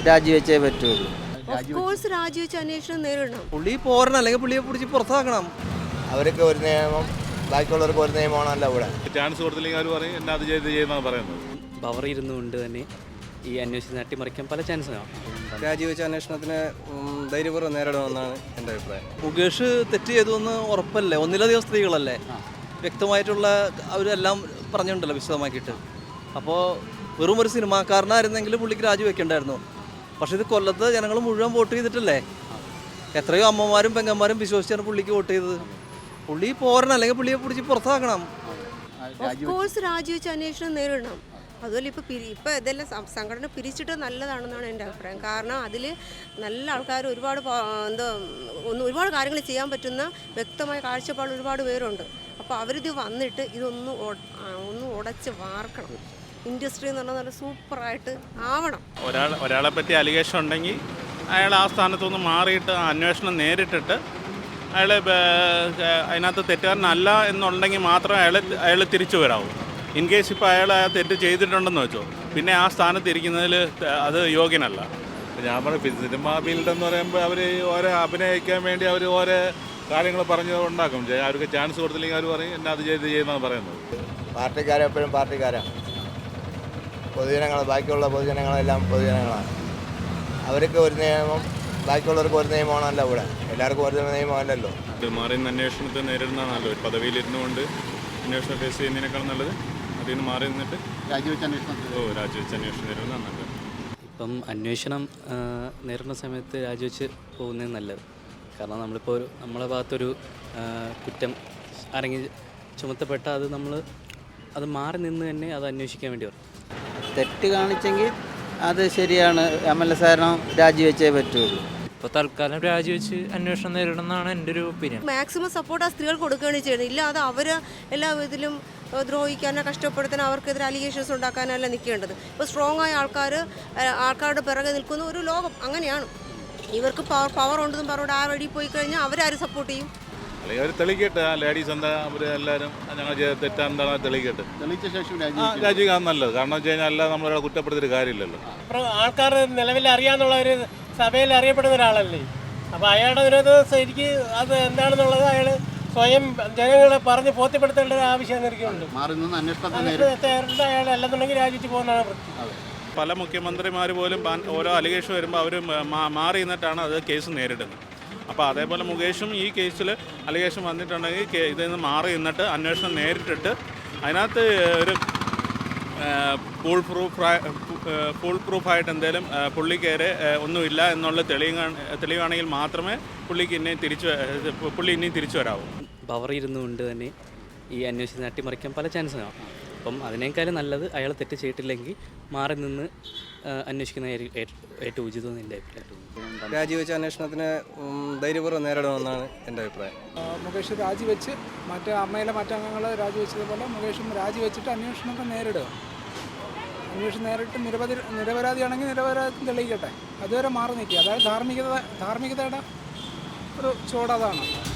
രാജിവെച്ചേ പറ്റുള്ളൂ. Of course രാജിവെച്ച് അന്വേഷണം നേരിടണം. പുള്ളി പോരണം, അല്ലെങ്കിൽ പുള്ളിയെ പിടിച്ച് പുറത്താക്കണം. അവർക്ക് ഒരു നിയമം, ബാക്കിയുള്ളവർക്ക് ഒരു നിയമമാണല്ലോ ഇവിടെ. ചാൻസ് കൊടുത്തില്ലെങ്കിൽ അവർ പറയും എന്നെ അത് ചെയ്യുന്നതാണ് പറയുന്നത്. പവർ ഇരുന്നുകൊണ്ട് തന്നെ ഈ അന്വേഷണം അട്ടിമറിക്കാൻ പല ചാൻസുകളാണ്. രാജിവെച്ച അന്വേഷണത്തിന് ധൈര്യപൂർവ്വം നേരിടണമെന്നാണ് എൻ്റെ അഭിപ്രായം. മുകേഷ് തെറ്റ് ചെയ്തുവെന്ന് ഉറപ്പല്ലേ? ഒന്നിലധികം സ്ത്രീകളല്ലേ, വ്യക്തമായിട്ടുള്ള അവരെല്ലാം പറഞ്ഞിട്ടുണ്ടല്ലോ വിശദമാക്കിയിട്ട്. അപ്പോൾ വെറും ഒരു സിനിമാക്കാരനായിരുന്നെങ്കിൽ പുള്ളിക്ക് രാജിവെക്കേണ്ടായിരുന്നു. പക്ഷേ ഇത് കൊല്ലത്ത് ജനങ്ങൾ മുഴുവൻ വോട്ട് ചെയ്തിട്ടല്ലേ, എത്രയോ അമ്മമാരും പെങ്ങന്മാരും വിശ്വസിച്ചാണ് പുള്ളിക്ക് വോട്ട് ചെയ്തത്. പുള്ളി പോരണം, അല്ലെങ്കിൽ പുള്ളിയെ പിടിച്ച് പുറത്താക്കണം. ഓഫ് കോഴ്സ് രാജിവെച്ച് അന്വേഷണം നേരിടണം. അതുപോലെ ഇപ്പോൾ ഇതെല്ലാം സംഘടന പിരിച്ചിട്ട് നല്ലതാണെന്നാണ് എൻ്റെ അഭിപ്രായം. കാരണം അതിൽ നല്ല ആൾക്കാർ ഒരുപാട് ഒരുപാട് കാര്യങ്ങൾ ചെയ്യാൻ പറ്റുന്ന വ്യക്തമായ കാഴ്ചപ്പാട് ഒരുപാട് പേരുണ്ട്. അപ്പോൾ അവരിത് വന്നിട്ട് ഇതൊന്ന് ഉടച്ച് വാർക്കണം. ഇൻഡസ്ട്രി എന്ന് പറഞ്ഞാൽ നല്ല സൂപ്പറായിട്ട് ആവണം. ഒരാളെ പറ്റി അലിഗേഷൻ ഉണ്ടെങ്കിൽ അയാൾ ആ സ്ഥാനത്തുനിന്ന് മാറിയിട്ട് അന്വേഷണം നേരിട്ടിട്ട് അയാൾ അതിനകത്ത് തെറ്റുകാരനല്ല എന്നുണ്ടെങ്കിൽ മാത്രമേ അയാൾ തിരിച്ചു വരാവൂ. ഇൻ കേസ് ഇപ്പോൾ അയാൾ ആ തെറ്റ് ചെയ്തിട്ടുണ്ടെന്ന് വെച്ചോ, പിന്നെ ആ സ്ഥാനത്ത് ഇരിക്കുന്നതിൽ അത് യോഗ്യനല്ല. ഞാൻ പറഞ്ഞു സിനിമ ഫീൽഡ് എന്ന് പറയുമ്പോൾ അവർ ഓരോ അഭിനയിക്കാൻ വേണ്ടി അവർ ഓരോ കാര്യങ്ങൾ പറഞ്ഞ് ഉണ്ടാക്കും. അവർക്ക് ചാൻസ് കൊടുത്തില്ലെങ്കിൽ അവർ പറയും എന്നെ അത് ചെയ്യുന്നതാണ് പറയുന്നത്. പാർട്ടിക്കാരെപ്പോഴും പാർട്ടിക്കാരാണ്. പൊതുജനങ്ങൾ, ബാക്കിയുള്ള പൊതുജനങ്ങളെല്ലാം പൊതുജനങ്ങളാണ്. അവർക്ക് ഒരു നിയമം, ബാക്കിയുള്ളവർക്ക് ഒരു നിയമമാണല്ലോ ഇവിടെ. എല്ലാവർക്കും ഒരു നിയമമല്ലല്ലോ. മാറി നിന്ന് അന്വേഷണത്തെ നേരിടുന്നതാണ് നല്ലത്. ഒരു പദവിയിലിരുന്നു കൊണ്ട് അന്വേഷണം ഫേസ് ചെയ്യുന്നതിനേക്കാൾ നല്ലത് അതിൽ നിന്ന് മാറി നിന്നിട്ട് രാജിവെച്ച് അന്വേഷണം നേരിടുന്നതാണ് നല്ലത്. ഇപ്പം അന്വേഷണം നേരിടുന്ന സമയത്ത് രാജിവെച്ച് പോകുന്നതാണ് നല്ലത്. കാരണം നമ്മളിപ്പോൾ നമ്മളെ ഭാഗത്തൊരു കുറ്റം ആരെങ്കിലും ചുമത്തപ്പെട്ടാൽ അത് മാറി നിന്ന് തന്നെ അത് അന്വേഷിക്കാൻ വേണ്ടി വരും. തെറ്റ് കാണിച്ചെങ്കിൽ അത് ശരിയാണ്, MLA സാറിനും രാജിവെച്ചേ പറ്റുള്ളൂ. ഇപ്പോൾ തൽക്കാലം രാജിവെച്ച് അന്വേഷണം നേരിടുന്നതാണ് എൻ്റെ ഒരു ഒപ്പീനിയൻ. മാക്സിമം സപ്പോർട്ട് ആ സ്ത്രീകൾ കൊടുക്കുകയാണ് ചെയ്യുന്നത്. ഇല്ലാതെ അവർ എല്ലാ വിധത്തിലും ദ്രോഹിക്കാനോ കഷ്ടപ്പെടുത്താനോ അവർക്കെതിരെ അലിഗേഷൻസ് ഉണ്ടാക്കാനല്ല നിൽക്കേണ്ടത്. ഇപ്പോൾ സ്ട്രോങ് ആയ ആൾക്കാരുടെ പിറകെ നിൽക്കുന്ന ഒരു ലോകം അങ്ങനെയാണ്. ഇവർക്ക് പവർ ഉണ്ടെന്നും പറഞ്ഞുകൊണ്ട് ആ വഴി പോയി കഴിഞ്ഞാൽ അവരാരും സപ്പോർട്ട് ചെയ്യും. അല്ലെങ്കിൽ അവർ തെളിയിക്കട്ടെ, ആ ലേഡീസ് എന്താ അവർ എല്ലാവരും ഞങ്ങൾ തെറ്റാന്താണ് തെളിയിക്കട്ടെ. തെളിയിച്ച ശേഷം രാജിക്കാൻ നല്ലത്. കാരണം വെച്ച് കഴിഞ്ഞാൽ അല്ലാതെ നമ്മളൊരാളെ കുറ്റപ്പെടുത്തിയൊരു കാര്യമില്ലല്ലോ. ആൾക്കാർ നിലവിൽ അറിയാന്നുള്ള ഒരു സഭയിൽ അറിയപ്പെടുന്ന ഒരാളല്ലേ. അപ്പോൾ അയാളുടെ ഒരു ശരിക്ക് അത് എന്താണെന്നുള്ളത് അയാൾ സ്വയം ജനങ്ങളെ പറഞ്ഞ് ബോധ്യപ്പെടുത്തേണ്ട ഒരു ആവശ്യം എനിക്കുണ്ട്. അയാൾ അല്ലെന്നുണ്ടെങ്കിൽ രാജിച്ച് പോകുന്നതാണ് വൃത്തി. പല മുഖ്യമന്ത്രിമാർ പോലും ഓരോ അലിഗേഷൻ വരുമ്പോൾ അവർ മാറി നിന്നിട്ടാണ് അത് കേസ് നേരിടുന്നത്. അപ്പോൾ അതേപോലെ മുകേഷും ഈ കേസിൽ അലിഗേഷൻ വന്നിട്ടുണ്ടെങ്കിൽ ഇതിൽ നിന്ന് മാറി നിന്നിട്ട് അന്വേഷണം നേരിട്ടിട്ട് അതിനകത്ത് ഒരു ഫുൾ പ്രൂഫായിട്ട് എന്തെങ്കിലും പുള്ളിക്കേരെ ഒന്നുമില്ല എന്നുള്ള തെളിവാണെങ്കിൽ മാത്രമേ പുള്ളി ഇനിയും തിരിച്ചു വരാവൂ. പവർ ഇരുന്നുകൊണ്ട് തന്നെ ഈ അന്വേഷണം അട്ടിമറിക്കാൻ പല ചാൻസുകളാണ്. അപ്പം അതിനേക്കാളും നല്ലത് അയാൾ തെറ്റ് ചെയ്തിട്ടില്ലെങ്കിൽ മാറി നിന്ന് അന്വേഷിക്കുന്ന ഏറ്റവും ഉചിതം എൻ്റെ അഭിപ്രായം. രാജിവെച്ച അന്വേഷണത്തിന് ധൈര്യപൂർവ്വം നേരിടണമെന്നാണ് എൻ്റെ അഭിപ്രായം. മുകേഷ് രാജിവെച്ച് അമ്മയിലെ മറ്റംഗങ്ങൾ രാജിവെച്ചതുപോലെ മുകേഷും രാജിവെച്ചിട്ട് അന്വേഷണത്തെ നേരിടുക. അന്വേഷണം നേരിട്ട് നിരപരാധിയാണെങ്കിൽ നിരപരാധി തെളിയിക്കട്ടെ. അതുവരെ മാറി നിൽക്കുക. അതായത് ധാർമ്മികതയുടെ ഒരു ചുവട് അതാണ്.